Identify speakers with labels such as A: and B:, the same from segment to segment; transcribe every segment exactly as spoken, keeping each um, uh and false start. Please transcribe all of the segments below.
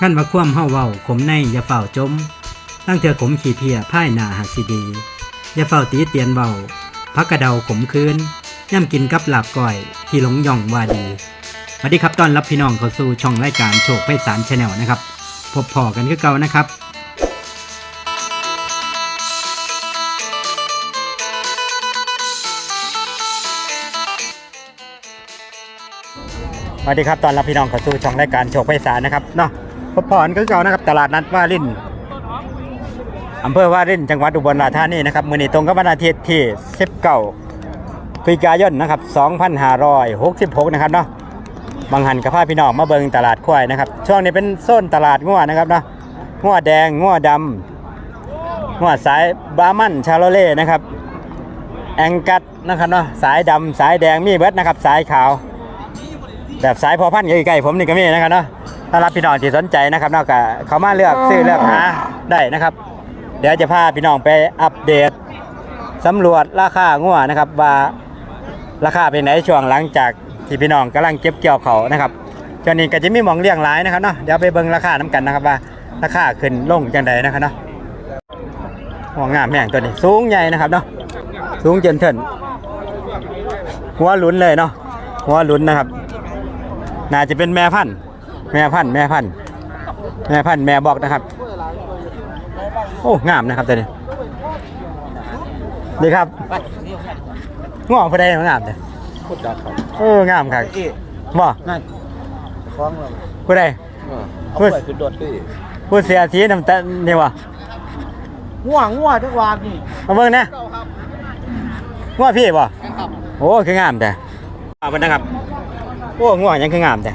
A: ขั้นว่าคว่ำเฮาเว้าขมในอย่าเฝ้าจมตั้งเถื่อขมขี้เพียพ่ายหน้าหักสิดีอย่าเฝ้าตีเตียนเว้าพักกระเดาขมคืนย่ำกินกับลาบก้อยที่หลงย่องว่าดีสวัสดีครับต้อนรับพี่น้องเข้าสู่ช่องรายการโชคไพศาล Channel นะครับพบพอกันคือเก่านะครับสวัสดีครับตอนรับพี่น้องเข้าสู่ช่องรายการโชคไพศาลนะครับเนาะพบพรคือเก่านะครับตลาดนัดวารินอำเภอวารินจังหวัดอุบลราชธานีนะครับมื้อนี้ตรงกับวันอาทิตย์ที่สิบเก้าพฤศจิกายนนะครับสองพันห้าร้อยหกสิบหกนะครับเนาะบางหันกับพาพี่น้องมาเบิ่งตลาดควายนะครับช่วงนี้เป็นโซนตลาดงัวนะครับเนาะงัวแดงงัวดำงัวสายบามันชาโลเล่นะครับแองกัดนะครับเนาะสายดำสายแดงมีเบิดนะครับสายขาวแบบสายพอพันธุ์ใกล้ๆผมนี่ก็มีนะครับเนาะถ้ารับพี่น้องที่สนใจนะครับเนาะก็เข้ามาเลือกซื้อเลือกหาได้นะครับเดี๋ยวจะพาพี่น้องไปอัปเดตสำรวจราคางัวนะครับว่าราคาเป็นไหนช่วงหลังจากที่พี่น้องกำลังเก็บเกี่ยวเขานะครับช่วงนี้ก็จะมีหมองเลี้ยงหลายนะครับเนาะเดี๋ยวไปเบิ่งราคาน้ำกันนะครับว่าราคาขึ้นลงจังใดนะครับเนาะหัวงามแม่งตัวนี้สูงใหญ่นะครับเนาะสูงเจนเถินหัวหลุนเลยเนาะหัวหลุนนะครับน่าจะเป็นแม่พันธุ์แม่พันธุ์แม่พันธุ์แม่พันธุ์แม่บอกนะครับโอ้งามนะครับตัวนี้ดีครับง่วงพอได้งามเลยพูดจัดครับเอองามครับบ่นั่นคล้องเลยพูดได้พูดคือโดดตีพูดเสียทีน้ำตาลนี่วะง่วงง่วงทุกวันนี่มาเบิ่งนะง่วงพี่บ่โอ้คืองามแต่เอาไปนะครับโอ้ง่วงยังคืองามแต่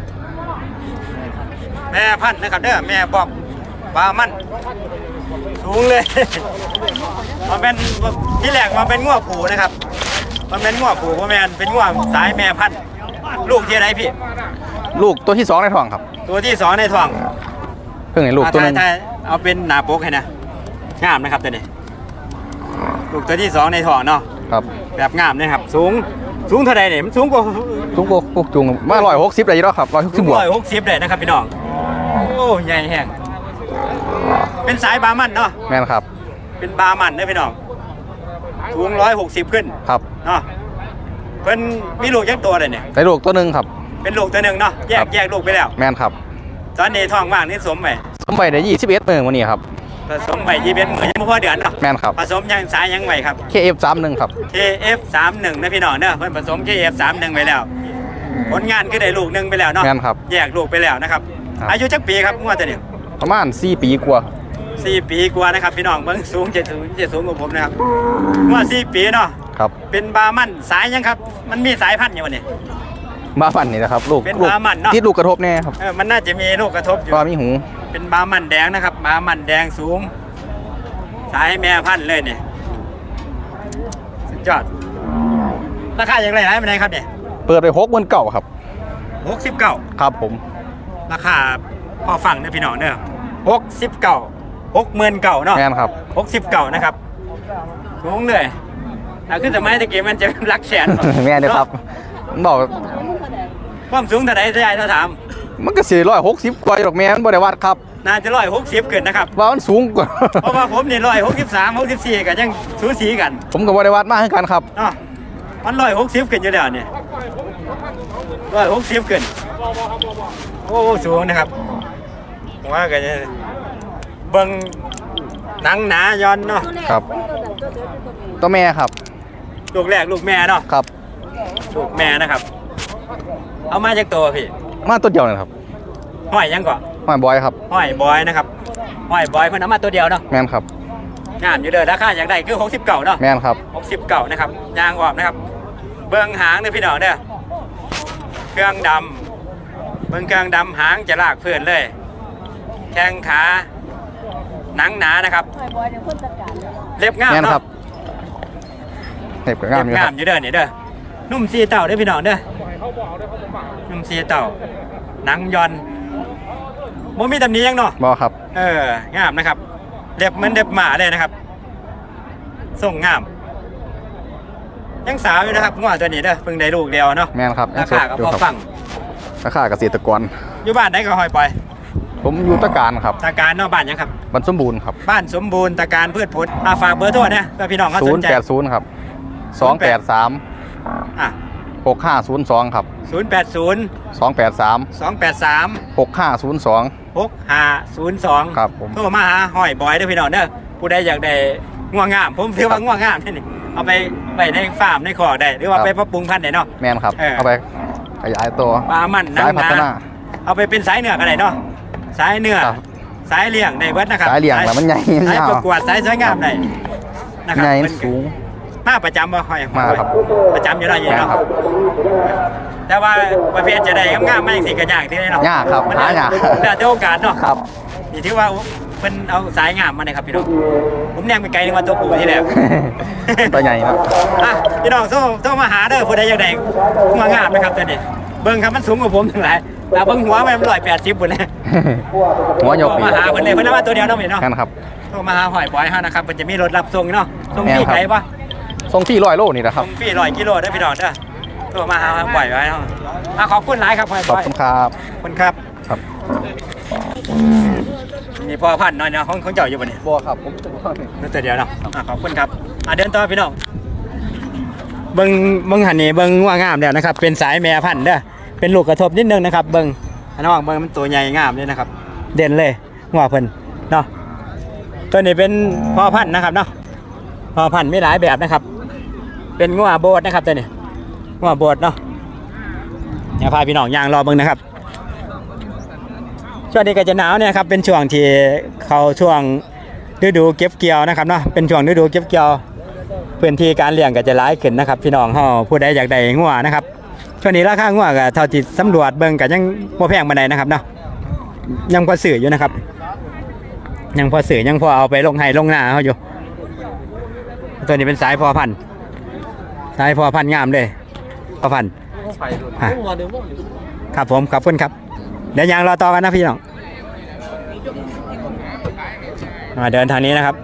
A: แม่พันธุ์นะครับเด้อแม่บอกปลามันสูงเลยมันเป็นที่แรกมันเป็นง่วงผูนะครับมันเป็นง่วงผูเพราะแม่เป็นง่วงสายแม่พันธุ์ลูกที่ไหนพี่
B: ลูกตัวที่สองในท้องครับ
A: ตัวที่สองในท้อง
B: เพิ่งเห็นลูกตัวนึง
A: เอาเป็นหน้าปกให้นะงามนะครับตัวนี้ลูกตัวที่สองในท้องเนาะ
B: ครับ
A: แบบงามนะครับสูงสูงเท่าไรเนี่ยมันสูงกว่า
B: สูงกว่าพวกจุงมาร้อยหกสิบเลยแล้วครับร้อยหกสิบบวก
A: ร้อยหกสิบเลยนะครับพี่น้องโอ้ใหญ่แห้งเป็นสายบามันเนาะ
B: แม่นครับ
A: เป็นบามันนะพี่น้องสูงร้อยหกสิบขึ้น
B: ครับ
A: เนาะเพิ่นมีลูกยักตัวเลยเนี่ย
B: ได้ลูกตัวหนึ่งครับ
A: เป็นลูกตัวหนึ่งเนาะแยกแยกลูกไปแล้ว
B: แม่นครับ
A: ตอนนี้ท้องว่างนี่สมไป
B: สมไปได้ยี่สิบเอ็ดเมื่อวันนี้ครับ
A: ผสมไปยี่สิบเอ็ดมื้อยังไม่พอเดือนเนาะ
B: แม่นครับ
A: ผสมยังสายยังไหวครับ
B: เค เอฟ สามสิบเอ็ด ครับ
A: เค เอฟ สามสิบเอ็ด นะพี่น้องเนาะเพิ่นผสม เค เอฟ สามสิบเอ็ด ไปแล้วผลงานคือได้ลูกหนึ่งไปแล้วเนาะ
B: แม่นครับ
A: แยกลูกไปแล้วนะครับอายุจักปีครับงวดตัวนี้
B: ประมาณสี่ปีกว่า
A: สี่ปีกว่านะครับพี่น้องเบิ่งสูงเจ็ดสูงเจ็ดสูงกว่าผมนะครับงวดสี่ปีเนาะ
B: ครับ
A: เป็นบามันสายยังครับมันมีสายพันธุ์อยู่วันนี้
B: บามันนี่นะครับลูก
A: เป็นบามันเนาะ
B: ที่ลูกกระทบแน่ครับ
A: เออมันน่าจะมีลูกกระทบอยู่
B: ปลามีหู
A: เป็นบามันแดงนะครับบามันแดงสูงสายแม่พันธุ์เลยเนี่ยสุดยอดราคาอย่างไรไหนเป็นไงครับเนี่ย
B: เปิดไปหกหมื่นเก้าครับ
A: หกสิบเก้า
B: ครับผม
A: ราคาพอฟังเนี่ยพี่น้องเนี่ยหกสิบเก้าหกหมื่นเก้าเนาะ
B: แม่นครับ
A: หกสิบเก้านะครับสูงเลยถ้าขึ้นสมัยตะกี้มันจะรักแสน
B: แม่นเลยครับบอก
A: ความสูงเท่าไหร่จะใหญ่เท่าถาม
B: มันก็สี่ร้อยหกสิบกว่าหรอกแม่มันบริวัตครับ
A: น่าจะร้อยหกสิบเกินนะครับ
B: ว่ามันสูงกว่า
A: เพราะว่าผมนี่ร้อยหกสิบสามหกสิบสี่กันยังสูสีกัน
B: ผมกับบริวัตมากขึ้นกันครับ
A: อ๋อมันร้อยหกสิบเกินอยู่แล้วเนี่ยร้อยหกสิบเกินโอ้สูงนะครับผมว่ากันเบิ้งหนังหนาย้อนเนาะ
B: ครับตัวแม่ครับ
A: ลูกแรกลูกแม่เนาะ
B: ครับ
A: ลูกแม่นะครับเอามาจากตัวพี่
B: มาตัวเดียวนะครับ
A: ห้อยยังก่อน
B: ห้อยบอยครับ
A: ห้อยบอยนะครับห้อยบอยเพิ่นเอามาตัวเดียวเนาะ
B: แม่นครับ
A: งามอยู่เลยราคาอย่างไรคือหกสิบเก้าเนาะ
B: แม่นครับ
A: หกสิบเก้านะครับยางออกนะครับเบื้องหางเนี่ยพี่น้องเนี่ยเครื่องดำเบื้องเครื่องดำหางจะลากเพื่อนเลยแข้งขาหนังหนานะครับเล็บงามเนาะ
B: เล็บงาม
A: งามอยู่เด้อเนี่ยเด้อนุ่มซีเต่าเด้อพี่น้องเด้อนุ่มซีเต่าหนังยอนโมมีตำหนิยังเนาะ
B: บ่ครับ
A: เอองามนะครับเล็บเหมือนเล็บหมาเลยนะครับส่งงามยังสาวอยู่นะครับงัวตัวนี้เด้อเพิ่งได้ลูกเดียวเนาะ
B: แม่นครับ
A: ราคาก็พอฟัง
B: ราคาเกษตรกร
A: อยู่บ้านไหนก็หอยปล่อย
B: ผมอยู่ตะการครับ
A: ตาการเนอกบ้านยังครับ
B: บ้านสมบูรณ์ครับ
A: บ้านสมบูรณ์ตาการพืชผลอาฝากเบอร์โทรนะเพื่อพี่น้องเขา
B: ศู
A: ส
B: น
A: น
B: ย์
A: ใจ
B: แปดศูนย์ครับสองแปดสาม
A: อ่ะ
B: หกห้าศูนย์สองครับ
A: ศูนย์แปดศูนย์
B: สองแปดสาม
A: สองแปดสาม
B: หกห้าศูนย์สอง
A: หกห้าศูนย์สอง
B: ครับผม
A: โทรมาหาหอยบอยเด้อพี่น้องเด้อผู้ใดอยากได้ง่วงงามผมถือว่าง่วงงามนี่นี่เอาไปไปในฟาร์มในคอกได้หรือว่าไปปรับปรุงพันธุ์ได้เนาะ
B: แมนครับ
A: เออ
B: เอาไปขยายตัว
A: ปลามัน
B: สายพัฒนา
A: เอาไปเป็นสายเนื้อก็ได้เนาะสายเนื้อ
B: ครับ
A: สายเลี้ยงได้เบิดนะครับ
B: สายเลี้ยงแล้วมันใหญ่
A: สาย
B: ยาว
A: ประกวดสายสวยงามได้นะครั
B: ใหญ่
A: เพิ่นก็
B: สูง
A: มาประจำบ่ค่อย
B: มาครับ
A: ประจำอยู่แล้วอยู่
B: แม่น
A: เนาะ
B: ครับ
A: แต่ว่าประเภทจะได้งามๆมาจังซี่ก็ยากที่ได้เนาะ
B: ยากครับ
A: มัน
B: หายาก
A: แล้วแต่โอกาสเนาะ
B: ครับ
A: นี่ถือว่าเพิ่นเอาสายงามมาเลยครับพี่น้องผมแนงไปไกลนึกว่าตัวผู้ที่แล้ว
B: ตัวใหญ่เนอะ
A: อ่ะพี่น้องโทรโทรมาหาเด้อผู้ใดอยากได้หัวงามนะครับตัวนี้เบิ่งครับมันสูงกว่าผมทั้งหลายแต่เบิ่งหัวมันร้อยแปดสิบพุ่นเลย
B: หัวโย
A: โท
B: ก
A: ร
B: ปี
A: มาหาเพิ่นเลยเพิ่นเอามาตัวเดียวเนาะพี่เนาะ
B: นั่นครับ
A: โทรมาหาหอยบอยเฮานะครับเพิ่นจะมีรถรับส่งเนาะส่งฟรี
B: แม่นครับ
A: ไกลปะ
B: ทรงที่ร้อยโลนี่นะค
A: ส่
B: รับ
A: งฟรีร้อยกิโลเด้อพี่น้องเด้อโทรมาหาหอยบอยไว้เนาะอ่ะขอบคุณหลายครับหอย
B: ข
A: บ
B: อบ
A: อย
B: คุณครับ
A: ขอบคุณครับ
B: ครับ
A: นี่พ่อพันธุ์เนาะเนาะของของเจ้าอยู่บ่นี่
B: บัวครับผม
A: นั่นตัวเดียวเนาะอ่ะขอบคุณครับอ่ะเดินต่อพี่น้องเบิ่งเบิ่งหันนี่เบิ่งว่างามแล้วนะครับ เป็นสายแม่พันธุ์เด้อเป็นลูกกระทบนิดนึงนะครับ เบิ่งอันน้องเบิ่งมันตัวใหญ่งามเลยนะครับ เด่นเลยหัวเพิ่นเนาะตัวนี้เป็นพ่อพันธุ์นะครับเนาะพ่อพันธุ์มีหลายแบบนะครับ เป็นงัวโบดนะครับตัวนี้งัวโบดเนาะเดี๋ยวพาพี่น้องย่างรอเบิ่งนะครับ ช่วงนี้ก็จะหนาวเนี่ยครับเป็นช่วงที่เขาช่วงฤดูเก็บเกี่ยวนะครับเนาะเป็นช่วงฤดูเก็บเกี่ยวพื้นที่การเลี้ยงก็จะหลายขึ้นนะครับ พี่น้องเฮาผู้ใดอยากได้งัวนะครับช่วงนี้ราคางัวก็เท่าที่สำรวจเบิ่งก็ยังบ่แพงปานใดนะครับเนาะยังพอซื้ออยู่นะครับ ยังพอซื้อยังพอเอาไปลงไห้ลงนาเฮาอยู่ตัวนี้เป็นสายพอพันธุ์สายพอพันธุ์งามเลยพอพันธุ์อ่ะครับผมขอบคุณครับเดี๋ยวยางรอต่อกันนะพี่น้องมาเดินทางนี้นะครับ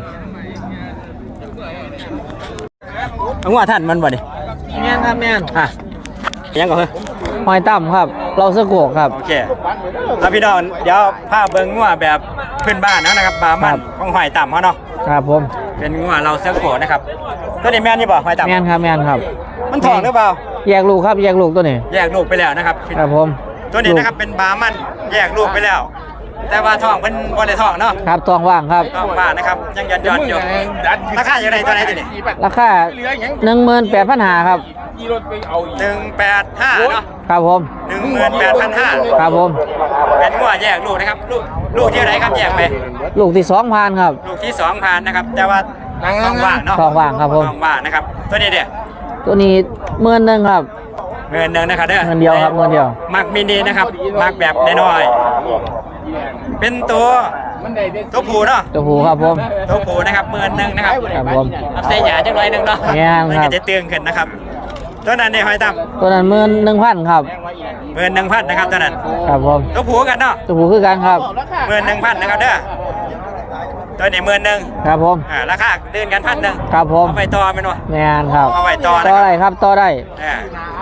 A: เอาว่าท่านมันบ่ดิ
C: แม่นครับแม่น
A: อ่ะยังก่อนเฮ้ย
C: หอยต่ำครับ เราสะโกกครับ
A: โอเคเอาพี่น้องเดี๋ยวภาพเบิ้งงัวแบบพื้นบ้านนะครับบามันของหอยต่ำเขาเนาะ
C: ครับผม
A: เป็นงัวเราเสื้อโขนนะครับตัวนี้แม่นนี่บ่หอยต่ำ
C: แม่นครับแม่นครับ
A: มันทองหรือเปล่า
C: แยกลูกครับแยกลูกตัวนี้
A: แยกลูกไปแล้วนะครับ
C: ครับผม
A: ตัวนี้นะครับเป็นบามันแยกลูกไปแล้ว แต่ว่าทองเป็นบ่ได้ทองเนาะ
C: ครับทองว่างครับ
A: ทองบ้านนะครับยังยันยันอยู่ราคาอย่างไรตัวไหนตัวนี้
C: ราคาหนึ่งหมื่นแปดพันหาครับ
A: หนึ่งแปดห้าเนาะ
C: ครับผม
A: หนึ่งหมื่นแปดพันห้า
C: ครับผม
A: เป็นงัวแยกลูกนะครับ ลูกลูกที่ไหนครับแยกไป
C: ลูกที่สองพันครับ
A: ลูกที่สองพันนะครับ แต่ว่าทองว่างเนาะ
C: ทองว่างครับผม
A: ทองว่างนะครับ ตัวนี้เดียว
C: ตัวนี้หมื่นหนึ่งครับ
A: เงินหนึ่งนะครับเด้อ
C: เงินเดียวครับเงินเดียว
A: มักมินินะครับมักแบบน้อยๆเป็นตัวตัวผูเนาะ
C: ตัวผูครับผม
A: ตัวผูนะครับหมื่นหนึ่งนะครับ
C: ครับผม
A: เอาใส่หยาจังไรหนึ่งเนาะ
C: แม่น
A: มัน
C: ครั
A: ก็
C: บ
A: จะเตือนขึ้นนะครับ ตัวนั้นเนี่ยหอยตั้ม
C: ตัวนั้นหมื่นหนึ่งพันครับ
A: หมื่นหนึ่งพันนะครับตัวนั้น
C: ครับผม
A: ตัวผูกันเนาะ
C: ตัวผูคือกันครับ
A: หมื่นหนึ่งพันนะครับเด้อตัวนี้หมื่นหนึ่ง
C: ครับผม
A: อ่าราคาเดินกันพันหนึ่ง
C: ครับผม
A: เอาไปต่อเป็นวะ
C: แม่นครับ
A: เอาไปต่อนะ
C: ต่อ
A: ครับ
C: ได้ครับต่อได้
A: อ่า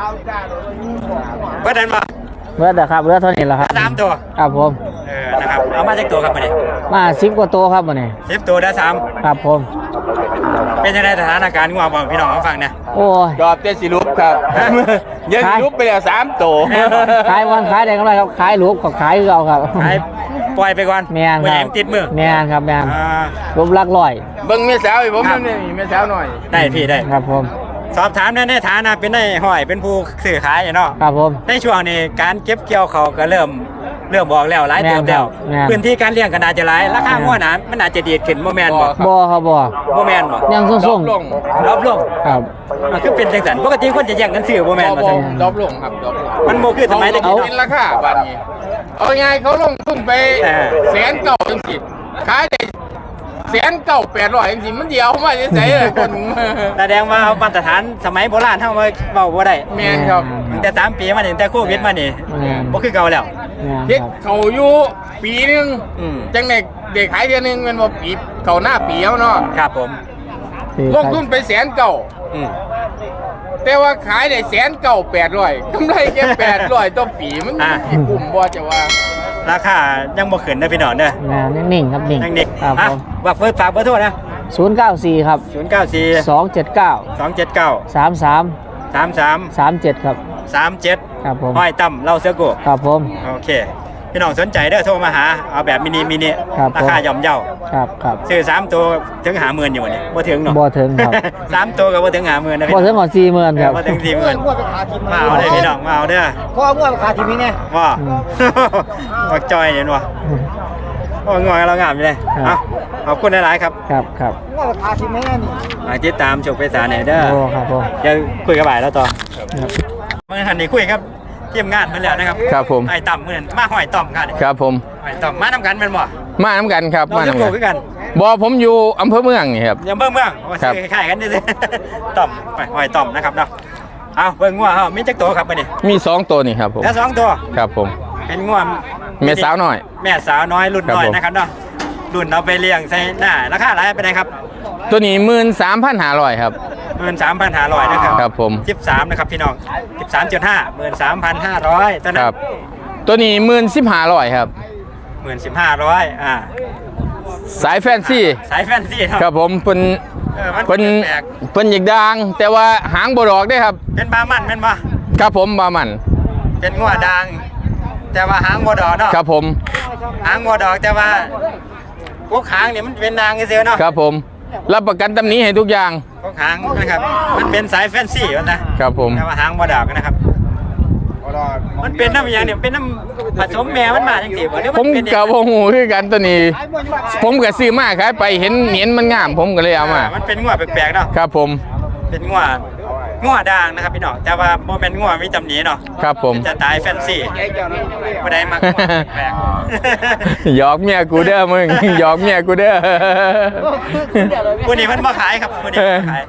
A: เพื่อนมา
C: เลือดครับเลือดเท่านี้แหละครับ
A: สามตัว
C: ครับผม
A: เออนะครับเอามาจากตัวครับมาดิ
C: มาสิบกว่าตัวครับวันนี้
A: สิบตัวได้สาม
C: ครับผม
A: เป็นยังไงสถานการณ์งัวบอกพี่น้องเขาฟังเนี่ย
C: โอ้ย
D: จอบเต้สิลุปครับ
A: ฮะ
D: ยังสิลุปไปแล้วสามตัว
A: แม่นบ่
C: ขายวันขายได้กำไรครับขายลูกกับขายคือเอาครับ
A: ให้ปล่อยไปก่อน
C: แม่น
A: ไม่
C: ค
A: ให้
C: รับ
A: มันติดมือ
C: แม่นครับแม่น
A: อ่า
C: รูปลักร้อย
D: เบิ่งแม่สาวให้ผมนี่แม่สาวหน่อย
A: ได้พี่ได้
C: ครับผม
A: สอบถามในฐานะเป็นได้ห้อยเป็นผู้สื่อขายเนาะ
C: ครับผม
A: ในช่วงนี้การเก็บเกี่ยวเขาก็เริ่มเริ่มบอกแล้วหลายเติมแล้ว
C: แม่นครับ
A: พื้นที่การเลี้ยงก็น่าจะหลายราคางัวหนามันอาจจะดีดขึ้นโมแมนบ่
C: บ่ครับบ่
A: โมแมนบ่
C: ยังส่ง
D: ด
C: ส่
D: อง บลง
A: รอบลง
C: ครับ
A: มันคือเป็นจังสันปกติคนจะแย่งกันซื้อโมแมน
D: ด
A: บ่
D: อบ
A: ใช่
D: ดอบลงครับดอบลง
A: มันโมคือสมัยตะกี้
D: เขาเป็น
A: เนาะ
D: ราคาบัดนี้เอาไงเขาลงทุนไป
A: เออ
D: แสนเก่าจังสิขายได้แสนเก่าแปดร้อยจังสิมันเดียวมาจะใส่เลยคน
A: แสดงว่ามาตรฐานสมัยโบราณเฮามาเว้าบ่ได้
D: แมนครับ
A: ตั้งแต่สามปีมานี่ตั้งแต่โควิดมานี่
C: แม่น
A: บ่คือเก่าแล้ว
C: แม่น
D: เฮ็ด
C: ครับ
D: เขาอยู่ปีหนึง
A: อืม
D: จังเด็กเด็กขายเดือนหนึงแมันบ่ปีเขาหน้าปีเอาเนาะ
A: ครับผม
D: ลงทุนไปแสนเก่า
A: อืม
D: แต่ว่าขายได้แสนเก่าแปดร้อยกำไรแค่แปดร้อยต่อปีมัน
A: อ่า
D: สิคุ้มบ่จะว่า
A: ราคายังบ่ขึ้นนะพี่น้องเด้อ
C: แม่นนิ่งๆครับนิ่ง
A: ยังเด็ก
C: ครับ
A: อ่ะ
C: ผม
A: ว่าเฟิร์สฝากเบอร์โทรนะ
C: ศูนย์เก้าสี่ครับ
A: ศูนย์เก้าสี่
C: สองเจ็ดเก้า
A: สองเจ็ดเก้า
C: สามสาม
A: สามสาม
C: สามเจ็ดครับ
A: สามเจ็ด
C: ครับผม
A: ห้อยต่ำเล่าเสือโก
C: ครับผม
A: โอเคพี่น้องสนใจเด้อโทรมาหาเอาแบบมินิมินิ
C: ครับผม
A: ราคาย่อมเยา
C: ครับครับ
A: ซื้อสามตัวถึงหาหมื่นอยู่เนี่ยบ่ถึงเนาะ
C: บ่ถึงครับ
A: สามตัวก็บ่ถึงหาหมื่นนะพี่
C: บ่ถึงก่อนสี่หมื่นครับ
A: บ่ถึงสี่หมื่นมาเอาเลยพี่น้องมาเอาเด้อ
E: พ่อเมื่อขาทีนี้ไง
A: ว่า
C: อืม
A: บักจอยเนี่ยว่ะโอ้ยงอยเรางามอยู่เลย
C: ครับ
A: เอาขอบคุณหลายๆครับ
C: ครับครับ
E: เมื่อขาทีนี้นี่
A: มาติดตามชมไปสารไหนเด้อ
C: โอ้ครับผม
A: เดี๋ยวคุยกับบ่ายแล้วต่อ
C: ครับ
A: เมื่อหันนี่คุยครับทีมงานมาแล้วนะครับ
B: ครับผม
A: ไอ้ต่ำเหมือนมาหอยต่ำกัน
B: ครับผม
A: หอยต่ำมาทำกันเป็นบ่
B: มาน้ำกันครับ
A: เรา
B: มา
A: จะ
B: น้ำ
A: ปลู
B: กั
A: ก
B: น
A: ด้วยกัน
B: บอผมอยู่อำเภอเมืองนี่ครับ
A: อย่าเบิ่งเมืองว่า
B: ครับ
A: ซื้อคล้ายๆกันดิ ต่ำไปหอยต่ำนะครับเนาะเอาเบิ่งงัวเฮามีจักตัวครับมื้อนี้
B: มีสองตัวนี่ครับผม
A: แล้วสองตัว
B: ครับผม
A: เป็นงัว
B: แม่สาวหน่อย
A: แม่สาวน้อยรุ่นน้อย
B: ครับผม
A: นะครับเนาะรุ่นเอาไปเลี้ยงใส่หน้าราคาหลายไปไหนครับ
B: ตัวนี้หมื่นสามพันห้าร้อยครับ
A: หมื่นสามพันห้าร้อยนะครับ
B: ครับผม
A: สิบสามนะครับพี่น้องสิบสามจุดห้าหมื่นสามพันห้าร้อยตอนนั้
B: คน รับ ตัวนี้หมื่นสิบห้าร้อยครับ
A: หมื่นสิบห้าร้อยอ่า
B: สายแฟนซี
A: สายแฟนซีเนาะ
B: ครับผมเป็น
A: เออมัน
B: เป็น
A: แปลก
B: เป็นหยิกดาง แต่ว่าหางบดอกได้ครับ
A: เป็นบามันเป็นบ่
B: ครับผมบามัน
A: เป็นงัวดางแต่ว่าหางบัวดอกเนาะ
B: ครับผม
A: หางบัวดอกแต่ว่าพวกหางเนี่ยมันเป็นนางเสียเนาะ
B: ครับผม รับประกันตำหนี้ให้ทุกอย่าง
A: พวกหางนะครับมันเป็นสายแฟนซีวะนะครับ
B: ผม
A: แต่ว่าหางบัวดอกนะครับ มันเป็นน้ำอย่างเนี่ยเป็นน้ำผสมแม่มันมาจังซี่บ่หรือ
B: ผม
A: นเป็นเอง
B: กับวงูคือกันตัวนี้ ผมก็ซื้อมาขายไปเห็นเห็นมันงาม ผมก็เลยเอามา
A: มันเป็นงัวแปลกๆเนาะ
B: ครับผม
A: เป็นงัวงัวด่างนะครับพี่น้องแต่ว่าโมเป็นงัวมีตำหนิเนาะ
B: ครับผม
A: เป็นจะตายแฟนซีบ่ได้มักงัวแปลก
B: หยอกเมียกูเด้อมึง หยอกเมียกูเด้อ
A: ๆผู้นี้เพิ่นบ่ขายครับผู้นี้บ่ขาย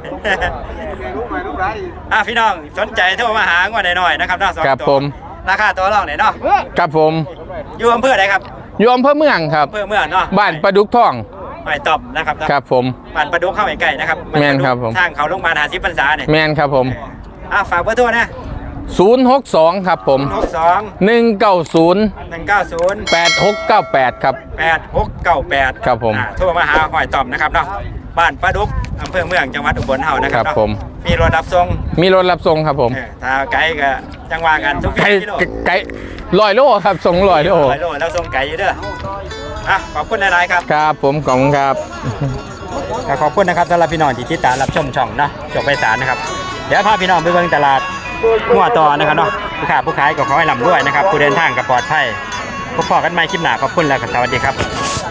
A: อ่ะพี่น้องสนใจโทรมาหางัวน้อยๆนะครับเนาะสอง
B: ครับ
A: ตัว
B: ผม
A: ราคาตัวรองไหนเนาะ
B: ครับผม
A: อยู่อำเภอใดครับ
B: อยู่อำเภอเมืองครับ
A: อำเภอเมืองเนาะ
B: บ้านประดุกทอง
A: หอยตอบนะครับ
B: ครับผม
A: บ้านประดุกเข้าใกล้ๆนะครับ
B: แม่นครับผม
A: ทางเขาโรงพยาบาลหาสิบพรรษาเนี่ย
B: แมนครับผม
A: อ่ะฝากเบอร์โทรนะ
B: ศูนย์หกสองครับผม
A: หกสอง
B: หนึ่งเก้าศูนย์
A: หนึ่งเก้าศูนย์
B: แปดหกเก้าแปดครับ
A: แปดหกเก้าแปด
B: ครับผม
A: อ่ะโทรมาหาหอยตอบนะครับเนาะบ้านประดุกอำเภอเมืองจังหวัดอุบลเฮานะค
B: ค
A: รั
B: รั
A: บบ เนาะ
B: ผม
A: มีรถรับส่ง
B: มีรถรับส่งครับผม
A: เออถ้าไกลก็จังหวะกันทุก
B: ไก่
A: กิโล
B: ไก่ลอยโลครับส่งลอยโล
A: ร้อยโลแล้วส่งไก่อยู่เด้ออ่ะขอบคุณหลายๆครับ
B: ครับผมขอบคุณครับ
A: ก็ขอบคุณนะครับสำหรับพี่น้องที่ติดตามรับชมช่องเนาะจบไปสารนะครับเดี๋ยวพาพี่น้องไปเบิ่งตลาดงัวต่อนะครับเนาะผู้ค้าผู้ขายก็ขอให้ร่ำรวยนะครับผู้เดินทางก็ปลอดภัยพบกันใหม่คลิปหน้าขอบคุณและก็สวัสดีครับ